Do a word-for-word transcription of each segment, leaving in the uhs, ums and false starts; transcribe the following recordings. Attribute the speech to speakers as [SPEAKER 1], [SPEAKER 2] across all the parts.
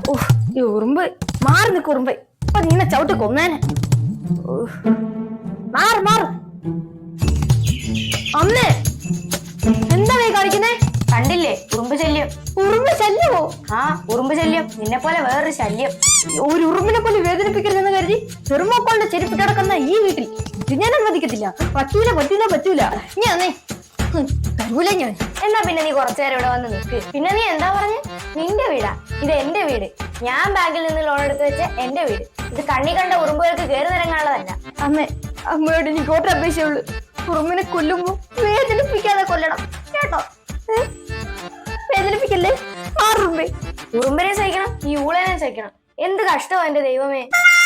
[SPEAKER 1] ഈ ഉറുമ്പ് മാറി നിൽക്കും ഉറുമ്പ്. അപ്പൊ നീനെ ചവിട്ട് കൊന്നേനെ. മാറ് മാറ്. അമ്മേ എന്താ നീ കാണിക്കുന്നേ?
[SPEAKER 2] കണ്ടില്ലേ ഉറുമ്പ് ശല്യം.
[SPEAKER 1] ഉറുമ്പ് ശല്യമോ?
[SPEAKER 2] ആ ഉറുമ്പ് ശല്യം. നിന്നെ പോലെ വേറൊരു ശല്യം.
[SPEAKER 1] ഒരു ഉറുമ്പിനെ പോലെ വേദനിപ്പിക്കരുതെന്ന് കരുതി തെർമോക്കോളിന്റെ ചെരുപ്പിട്ട് കിടക്കുന്ന ഈ വീട്ടിൽ ഇത് ഞാൻ അനുവദിക്കത്തില്ല. പറ്റൂല പറ്റൂല പറ്റൂല. ഞാനേ തരൂല ഞാൻ.
[SPEAKER 2] എന്നാ പിന്നെ നീ കുറച്ചു നേരം ഇവിടെ വന്ന് നിൽക്ക്. പിന്നെ നീ എന്താ പറഞ്ഞ്? നിന്റെ വീടാ ഇത്? എന്റെ വീട്. ഞാൻ ബാങ്കിൽ നിന്ന് ലോൺ എടുത്ത് വെച്ച എന്റെ വീട്. ഇത് കണ്ണി കണ്ട ഉറുമ്പുകൾക്ക് കയറി നിരങ്ങാനുള്ളതല്ല.
[SPEAKER 1] അമ്മേ അമ്മയോട് എനിക്ക് ഓട്ട അപേക്ഷയുള്ളൂ. ഉറുമ്പിനെ കൊല്ലുമ്പോ വേദനിപ്പിക്കാതെ കൊല്ലണം കേട്ടോ. വേദനിപ്പിക്കല്ലേ. ആറുമ്പേ
[SPEAKER 2] ഉറുമ്പിനെ സഹിക്കണം, ഈ ഊളനെ സഹിക്കണം. എന്ത് കഷ്ടമാ എന്റെ ദൈവമേ.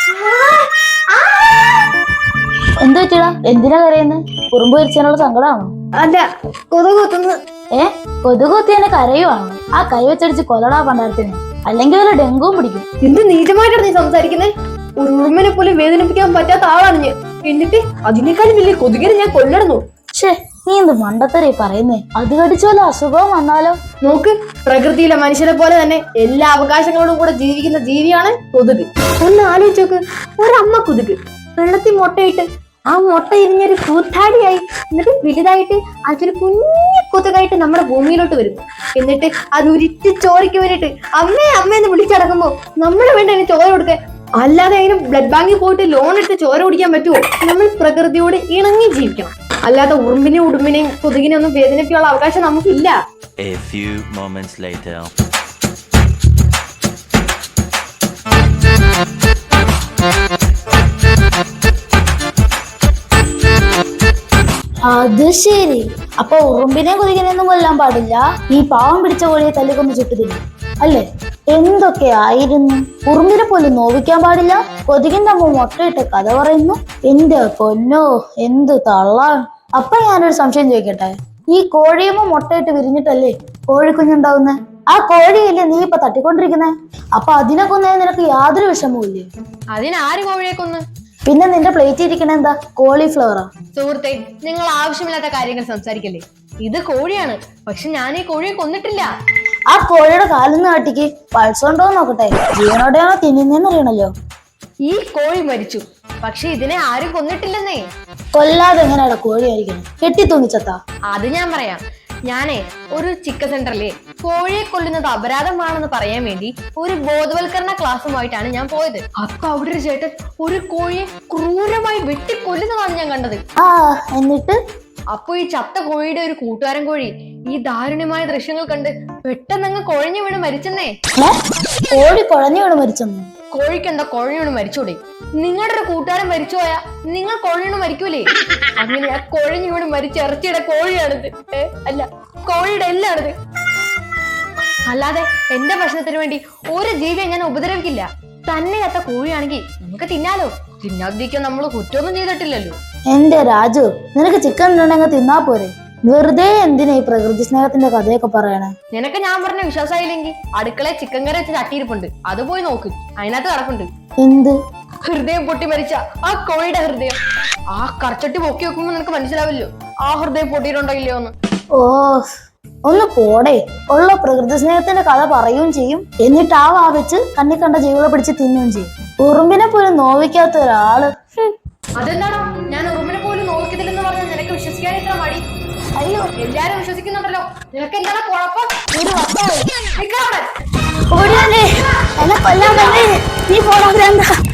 [SPEAKER 3] എന്താ പറ്റിയടാ? എന്തിനാ കരയുന്നത്? ഉറുമ്പ് കരിച്ചാനുള്ള സങ്കടമാണോ?
[SPEAKER 1] അല്ല, കൊതുക് കുത്തുന്നു.
[SPEAKER 3] ഏ കൊതുക് കുത്തി എന്നെ കരയുവാണോ? ആ കൈ വെച്ചടിച്ച് കൊല്ലടാ പണ്ടാരത്തിന്. അല്ലെങ്കിൽ വല്ല ഡെങ്കുവും പിടിക്കും.
[SPEAKER 1] എന്ത് നീചമായിട്ടാണ് നീ സംസാരിക്കുന്നേ? ഒരു ഉറുമ്പിനെ പോലും വേദനിപ്പിക്കാൻ പറ്റാത്ത ആളാണ് ഞാൻ. എന്നിട്ട് അതിനേക്കാളും വലിയ കൊതുകിനെ ഞാൻ കൊല്ലണോ?
[SPEAKER 3] ഷേ നീ എന്ത് മണ്ടത്തരേ പറയുന്നേ? അത് കടിച്ച വല്ല അസുഖവും വന്നാലോ?
[SPEAKER 1] നോക്ക്, പ്രകൃതിയിലെ മനുഷ്യരെ പോലെ തന്നെ എല്ലാ അവകാശങ്ങളോടും കൂടെ ജീവിക്കുന്ന ജീവിയാണ് കൊതുക്. ഒന്ന് ആലോചിച്ച് നോക്ക്, ഒരമ്മ കൊതുക് വെള്ളത്തിൽ മുട്ടയിട്ട് ആ മുട്ട ഇരിഞ്ഞൊരു കൂത്താടിയായി, എന്നിട്ട് വലുതായിട്ട് അതൊരു കുഞ്ഞു കൊതുകായിട്ട് നമ്മുടെ ഭൂമിയിലോട്ട് വരും. എന്നിട്ട് അത് ഉരുട്ടി ചോരയ്ക്ക് വേണ്ടിട്ട് അമ്മേ അമ്മയെന്ന് വിളിച്ചടക്കുമ്പോ നമ്മൾ വേണ്ട അതിന് ചോര കൊടുക്കാൻ. അല്ലാതെ അതിന് ബ്ലഡ് ബാങ്കിൽ പോയിട്ട് ലോൺ എടുത്ത് ചോര കുടിക്കാൻ പറ്റുമോ? നമ്മൾ പ്രകൃതിയോട് ഇണങ്ങി ജീവിക്കണം. അല്ലാതെ ഉറുമ്പിനെയും ഉടുമ്പിനെയും കൊതുകിനെ ഒന്നും വേദനിപ്പിക്കാനുള്ള അവകാശം നമുക്കില്ല.
[SPEAKER 4] A few moments later.
[SPEAKER 3] അത് ശരി. അപ്പൊ ഉറുമ്പിനെ കൊതുകിനെയൊന്നും കൊല്ലാൻ പാടില്ല. ഈ പാവം പിടിച്ച കോഴിയെ തല്ലിക്കൊന്ന് ചുട്ടുതില്ല അല്ലേ? എന്തൊക്കെ ആയിരുന്നു. ഉറുമ്പിനെ പോലും നോവിക്കാൻ പാടില്ല. കൊതുകിന്റെ അമ്മ മുട്ടയിട്ട് കഥ പറയുന്നു. എന്റെ പൊന്നോ എന്ത് തള്ളാൻ. അപ്പൊ ഞാനൊരു സംശയം ചോദിക്കട്ടെ, ഈ കോഴിയമ്മ മുട്ടയിട്ട് വിരിഞ്ഞിട്ടല്ലേ കോഴിക്കുഞ്ഞുണ്ടാവുന്നേ? ആ കോഴിയല്ലേ നീ ഇപ്പൊ തട്ടിക്കൊണ്ടിരിക്കുന്നേ? അപ്പൊ അതിനെ കൊന്നേ നിനക്ക് യാതൊരു വിഷമവും ഇല്ലേ?
[SPEAKER 1] അതിനാര് കോഴിയെ കൊന്ന്?
[SPEAKER 3] പിന്നെ നിന്റെ പ്ലേറ്റ് ഇരിക്കണ എന്താ? കോളിഫ്ലവറാ?
[SPEAKER 1] സുഹൃത്തെ, നിങ്ങൾ ആവശ്യമില്ലാത്ത കാര്യങ്ങൾ സംസാരിക്കല്ലേ. ഇത് കോഴിയാണ്, പക്ഷെ ഞാൻ ഈ കോഴിയെ കൊന്നിട്ടില്ല.
[SPEAKER 3] ആ കോഴിയുടെ കാലിന്ന് കാട്ടിക്ക് പൾസ് ഉണ്ടോ നോക്കട്ടെ. ജീവനോടെയാണോ തിന്നുന്നേന്ന് അറിയണല്ലോ.
[SPEAKER 1] ഈ കോഴി മരിച്ചു, പക്ഷെ ഇതിനെ ആരും കൊന്നിട്ടില്ലെന്നേ.
[SPEAKER 3] കൊല്ലാതെ എങ്ങനെയാടാ കോഴി ആയിരിക്കണം? കെട്ടി തൂങ്ങിച്ചത്താ?
[SPEAKER 1] അത് ഞാൻ പറയാം. ഞാനേ ഒരു ചിക്കൻ സെന്ററിലെ കോഴിയെ കൊല്ലുന്നത് അപരാധമാണെന്ന് പറയാൻ വേണ്ടി ഒരു ബോധവൽക്കരണ ക്ലാസ്സുമായിട്ടാണ് ഞാൻ പോയത്. അപ്പൊ അവിടെ ഒരു ചേട്ടൻ ഒരു കോഴിയെ ക്രൂരമായി വെട്ടിക്കൊല്ലുന്നതാണ് ഞാൻ കണ്ടത്.
[SPEAKER 3] ആ എന്നിട്ട്
[SPEAKER 1] അപ്പൊ ഈ ചത്ത കോഴിയുടെ ഒരു കൂട്ടുകാരൻ കോഴി ഈ ദാരുണ്യമായ ദൃശ്യങ്ങൾ കണ്ട് പെട്ടെന്നങ്ങ് കുഴഞ്ഞു വീണ് മരിച്ചെന്നേ.
[SPEAKER 3] കോഴി കുഴഞ്ഞു വീണ് മരിച്ചെന്നു?
[SPEAKER 1] കോഴിക്ക് എന്താ കുഴഞ്ഞു വീണ് മരിച്ചൂടെ? നിങ്ങളുടെ ഒരു കൂട്ടുകാരൻ മരിച്ചു പോയാ നിങ്ങൾ കുഴഞ്ഞു മരിക്കൂലേ? അങ്ങനെ ആ കുഴഞ്ഞു വീണ് മരിച്ച ഇറച്ചിയുടെ കോഴിയാണിത്. ഏ അല്ല, കോഴിയുടെ എല്ലാണിത്. അല്ലാതെ എന്റെ ഭക്ഷണത്തിന് വേണ്ടി ഒരു ജീവിയെ ഞാൻ ഉപദ്രവിക്കില്ല. തന്നെ ചത്ത കോഴിയാണെങ്കിൽ നമുക്ക് തിന്നാലോ. തിന്നാതിരിക്കാൻ നമ്മൾ കുറ്റമൊന്നും ചെയ്തിട്ടില്ലല്ലോ.
[SPEAKER 3] എന്റെ രാജു, നിനക്ക് ചിക്കൻ ഉണ്ടെങ്കിൽ തിന്നാ പോരെ? വെറുതെ എന്തിനാ ഈ പ്രകൃതി സ്നേഹത്തിന്റെ കഥയൊക്കെ പറയണേ?
[SPEAKER 1] നിനക്ക് ഞാൻ പറഞ്ഞ വിശ്വാസമായില്ലെങ്കിൽ അടുക്കളയിൽ ചിക്കൻ കറി വെച്ച് തട്ടിയിരിപ്പുണ്ട്, അത് പോയി നോക്ക്. അതിനകത്ത് കിടപ്പുണ്ട്.
[SPEAKER 3] എന്ത്?
[SPEAKER 1] ഹൃദയം പൊട്ടി മരിച്ച ആ കോഴിയുടെ ഹൃദയം. ആ കറച്ചട്ടി പൊക്കി വെക്കുമ്പോ നിനക്ക് മനസ്സിലാവില്ലോ ആ ഹൃദയം പൊട്ടിയിട്ടുണ്ടോ ഇല്ലയോ എന്ന്.
[SPEAKER 3] ഓ ഒന്ന് പോടെ. ഉള്ള പ്രകൃതി സ്നേഹത്തിന്റെ കഥ പറയുകയും ചെയ്യും, എന്നിട്ട് ആ വാ വെച്ച് കണ്ണി കണ്ട ജീവികളെ പിടിച്ച് തിന്നുകയും ചെയ്യും. ഉറുമ്പിനെ പോലും നോവിക്കാത്ത ഒരാള്.
[SPEAKER 1] അതെന്താണോ ഞാൻ ഉറുമ്പിനെ പോലും നോക്കിയതില്ലെന്ന് പറഞ്ഞാൽ നിനക്ക് വിശ്വസിക്കാൻ ഇത്ര മടി? അയ്യോ, എല്ലാരും വിശ്വസിക്കുന്നുണ്ടല്ലോ. നിനക്ക് എന്താണ് കുഴപ്പം?
[SPEAKER 3] നീ പോടാ.